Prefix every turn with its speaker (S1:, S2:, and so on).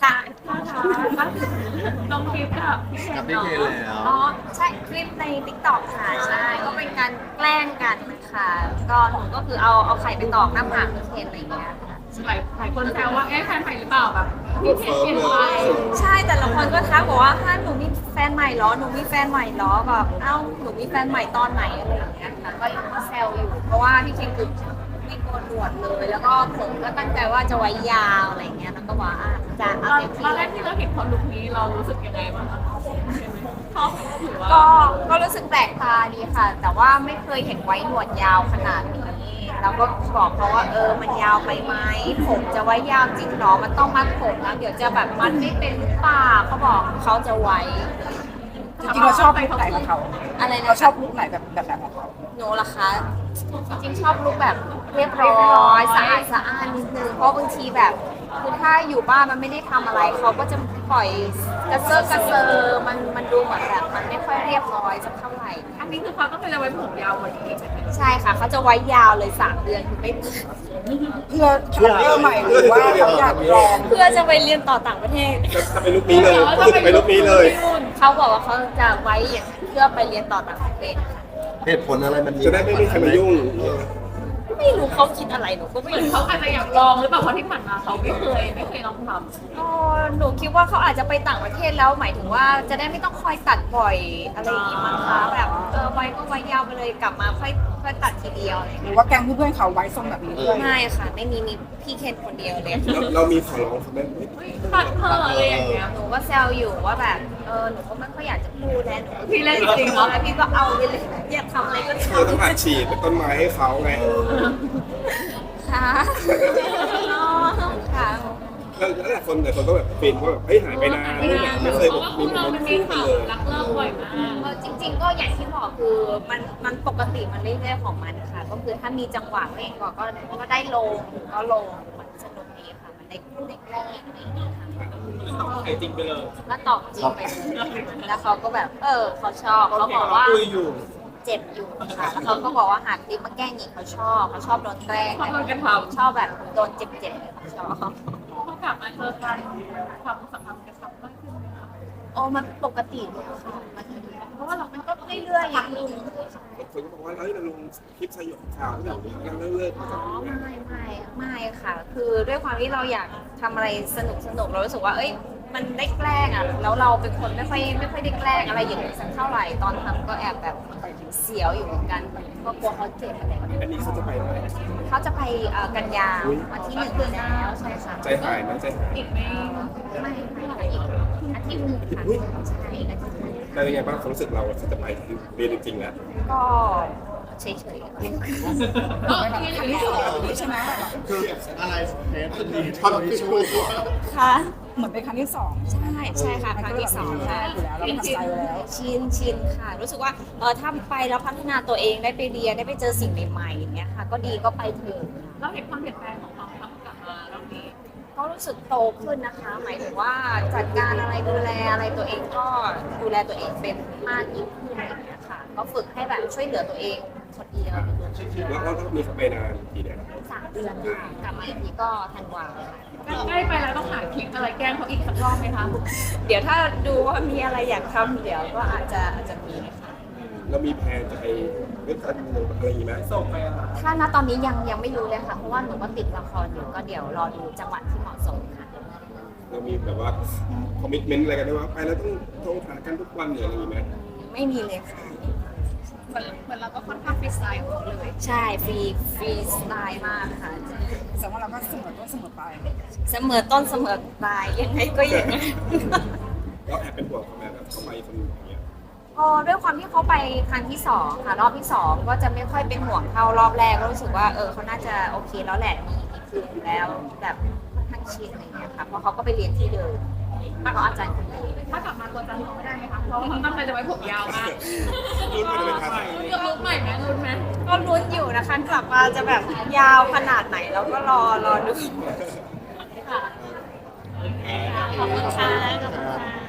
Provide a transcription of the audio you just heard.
S1: ค่ะ
S2: ลงคลิปกับ
S3: กับพี่เคนแล้ว
S1: อ๋อใช่คลิปใน TikTok ค่ะใช่ก็เป็นการแกล้งกันค่ะก็หนูก็คือเอาไข่ไปตอกหน้าผากพี่เคนอะไรอย่างเงี้ยค่ะ
S2: หลายคนแซวว่าแฟนใหม่หรือเปล่าแบบพี่เคนเปลี่ยนไป
S1: ใช่แต่ละคนก็ทักบอกว่าหนูมีแฟนใหม่เหรอหนูมีแฟนใหม่เหรอแบบเอ้าหนูมีแฟนใหม่ตอนไหนอะไรอย่างเงี้ยค่ะก็ยังแซวอยู่เพราะว่าพี่เคนคือไม่โกนหนวดเลย แล้วก็ผมก็ตั้งใจว่าจะไว้ยาวอะไรอย่างเงี้ยแล้วก็บอกจะเอาเต็มที่
S2: ตอนแรกที่เราเห็นเขาลุคนี้เรารู้สึกยังไงบ้างคะชอบหรือว่า
S1: ก็รู้สึกแปลกตาดีค่ะ แต่ว่าไม่เคยเห็นไว้หนวดยาวขนาดนี้แล้วก็บอกเขาว่ามันยาวไปไหมผมจะไว้ยาวจริงเหรอมันต้องมัดผมนะเดี๋ยวจะแบบมัดไม่เป็นหรือเปล่าเขาบอกเขาจะไว้
S4: จริงๆเราชอบลุคไหนของเขา
S1: อะไรนะ
S4: เราชอบลุคไหนแบบของเขา
S1: หนูล่ะคะจริงๆชอบลุคแบบเรียบร้อยสะอาดสะอ้านนิดนึงเพราะบางทีแบบคือถ้าอยู่บ้านมันไม่ได้ทำอะไรเขาก็จะปล่อยกระเซาะกระเซอมันดูเหมือนแบบมันไม่ค่อยเรียบร้อยสักเท่าไหร่
S2: อันนี้คือเขาต้องจะไว้ผมยาวกว่านี้
S1: ใช่ค่ะเขาจะไว้ยาวเลย3 เดือนคือไม่
S4: เพื่อคาแรคเตอร์ใหม่หรือว่าเขาอยากลอง
S1: เพื่อจะไปเรียนต่อต่างประเทศ
S3: จะไปลุคนี้เลยไปลุคนี้เลย
S1: เขาบอกว่าเขาจะไว้อย่างเพื่อไปเรียนต่อต่างประเทศค่ะ
S3: เหตุผลอะไรมัน
S5: จะได้ไม่มีใครมายุ่ง
S1: ไม่รู้เขาคิดอะไรหนูก็ไม่
S2: เหมือน
S1: รู้
S2: เขาอาจจะอยากลองหรือเปล่าเพราะที่ผ่านมาเขาไม่เคยลองทำ
S1: ก็หนูคิดว่าเขาอาจจะไปต่างประเทศแล้วหมายถึงว่าจะได้ไม่ต้องคอยตัดบ่อยอะไรอย่างงี้มั้งคะแบบไว้ก็ไว้ยาวไปเลยกลับมาค่อยตัดทีเดียวอะไรอย่าง
S4: ห
S1: เงี้ย
S4: รือว่าแก๊งเพื่อนๆเขาไว้ทรงแบบนี้ด้วย
S1: ไม่ค่ะไม่มีพี่เคนคนเดียวเลย
S5: เรามีขอร้องเขาไหม
S2: ตัดเธออะไรอย่างเงี้ย
S1: หนูก็แซวอยู่ว่าแบบหนูก็ไม่ค่อยอยากจะพูดแล้วหนูก็
S2: พี่เล่นจริงๆเหรอ
S1: แล้วพี่ก็เอาไปเลยอยากทำอะไรก็
S5: เธอต้อง
S1: ทำ
S5: อัดฉีดเป็นต้นไม้ให้เขาไง
S1: ค่ะค่ะ
S5: แล้วหลายคนก็แบบฟินว่าแบบเฮ้ยหายไปนานไม่เคย
S2: เพ
S5: แบ
S2: ราะ
S5: บ
S2: ว่า
S5: มี
S2: คู่
S5: โม
S2: เรา
S5: เมน
S2: มัน
S5: ต์
S2: มี
S5: คู่กัน
S2: ข่าว
S5: เลย
S2: รักเลิกบ่อยมาก
S1: จริง ๆ ก็อย่างที่บอกคือมันปกติมันเรื่อยๆของมันค่ะ ก็คือถ้ามีจังหวะเองก็ได้ลงก็ลงมันสนุกดีค่ะมันได้คู่ได้แกล้งอะไรอย่างเงี้ยค่ะ
S5: ไอจริงไปเลย
S1: ก็ตอบจริงไปเลยแล้วเขาก็แบบเขาชอบเขาบอกว่า
S5: คุยอยู่
S1: เจ็บอยู่ค่ะแล้วเขาก็บอกว่าหากติ๊มาแกล้งอีกเขาชอบโดนแกล้ง
S2: ชอบโดนกระทำ
S1: ชอบแบบโดนเจ็บๆเขาชอบ
S2: พอกลับมาเจอกันความสัมพันธ์กระชับมากขึ้นไหมคะ
S1: มันปกติเลยค่ะเพราะว่าเรามันก็เรื่อยๆอย่างนึง
S5: คนก็บอกว่าเฮ้ยเราลงคลิปสยองข่าวแบบนี้เราเลิก
S1: อ๋อไม่ค่ะ คือด้วยความที่เราอยากทำอะไรสนุกเรารู้สึกว่ามันได้แกล้งอ่ะแล้วเราเป็นคนไม่ค่อยได้แกล้งอะไรอย่างนี้สักเท่าไหร่ตอนทำก็แอบแบบเสียวอยู่เหมือนกันก็กลัวเขาเจ็บอะไรอย่างเงี้ย
S5: อันนี้เขาจะไปไหน
S1: เขาจะไปกันยาวันที่1 เดือนแล้วใช่ค่ะ
S5: ใจหายนะใจหาย
S2: อีกไม่
S1: ไม่ค่ะอีกอาทิตย์หนึงค่ะใช่อาทิตย์หนึ่ง
S5: แต่เป็นไงบ้างความรู้สึกเราจะไปเรียนจริงๆแล้ว
S1: ก็เฉยๆ
S2: ก็ที่อยู่ที่สอง
S4: ใช่ไหม
S3: คืออะไรเทปดีทอนพิชู
S1: ค่ะ
S4: เหมือนเป็นครั้งที่สอง
S1: ใช่ค่ะครั้งที่2ค่ะ
S4: อยู่แล้วเราทำใจไว้แล้ว
S1: ชินค่ะ รู้สึกว่าถ้าไปแล้วพัฒนาตัวเองได้ไปเรียนได้ไปเจอสิ่งใหม่ๆอย่างเงี้ยค่ะ ก็ดีก็ไปเถอะ
S2: เราเห็นความเปลี่ยนแปลงของเราทั้งกลับมารอบนี้
S1: ก็รู้สึกโตขึ้นนะคะ หมายถึงว่าจัดการอะไรดูแลอะไรตัวเองก็ดูแลตัวเองเป็นมากยิ่งขึ้นอะไรอย่างเงี้ยค่ะ ก็ฝึกให้แบบช่วยเหลือตัวเองคนเดียว
S5: แล้วมีเขาไปนานกี่เดือน
S1: 3 เดือนค่ะกลับมาอีกทีก็ธันวาค่ะ
S2: ใกล้ไปแล้วต้องหาคลิปอะไรแกล้งเขาอีกสักรอบไหมคะ
S1: เดี๋ยวถ้าดูว่ามีอะไรอยากทำเดี๋ยวก็อาจจะมีค่ะ
S5: เรามีแพลนจะไปเล่นกันอะไรอย่างงี้ไหมส่งไป
S1: ถ้าณตอนนี้ยังไม่รู้เลยค่ะ เพราะว่าหนูก็ติดละครอยู่ก็เดี๋ยวรอดูจังหวะที่เหมาะสมค่ะ
S5: เรามีแบบว่าคอมมิชเมนต์อะไรกันได้ว่าไปแล้วต้องหากันทุกวันหรืออะไรอย่างงี้ไหม
S1: ไม่มีเลยค่ะ
S2: เหมือนเราก็ค่อนข้างฟรีสไตล์ของเราเลย
S1: ใช่ฟรีสไตล์มากค่ะ
S4: แสดงว่าเราก็เสมอต้นเสมอปลาย
S1: เสมอต้นเสมอปลายยังไงก็อย่างนั้น
S5: เราแอบเป็นห่วงเขาไหมแบบเขาไปคนอย่างเงี้ย
S1: ก็ด้วยความที่เขาไปครั้งที่2ค่ะรอบที่2ก็จะไม่ค่อยเป็นห่วงเท่ารอบแรกก็รู้สึกว่าเขาน่าจะโอเคแล้วแหละมีคืนแล้วแบบค่อนข้างชินอะไรอย่างเงี้ยค่ะเพราะเขาก็ไปเรียนที่เดิมเพราะอาจารย์คนนี้
S2: ถ้ากลับมาตัวจำเขาไม่ได้ไหมคะ เพราะว่าเขาตั้งใจจะไว้ผมยาวมาก
S5: รุ่นมันจะเป็นทางไหน
S2: เลือกลุคใหม่ไหมรุ่นไหม
S1: ก็ลุ้นอยู่นะคะกลับมาจะแบบยาวขนาดไหนแล้วก็รอดูค่ะขอบคุณค่ะขอบคุณค่ะ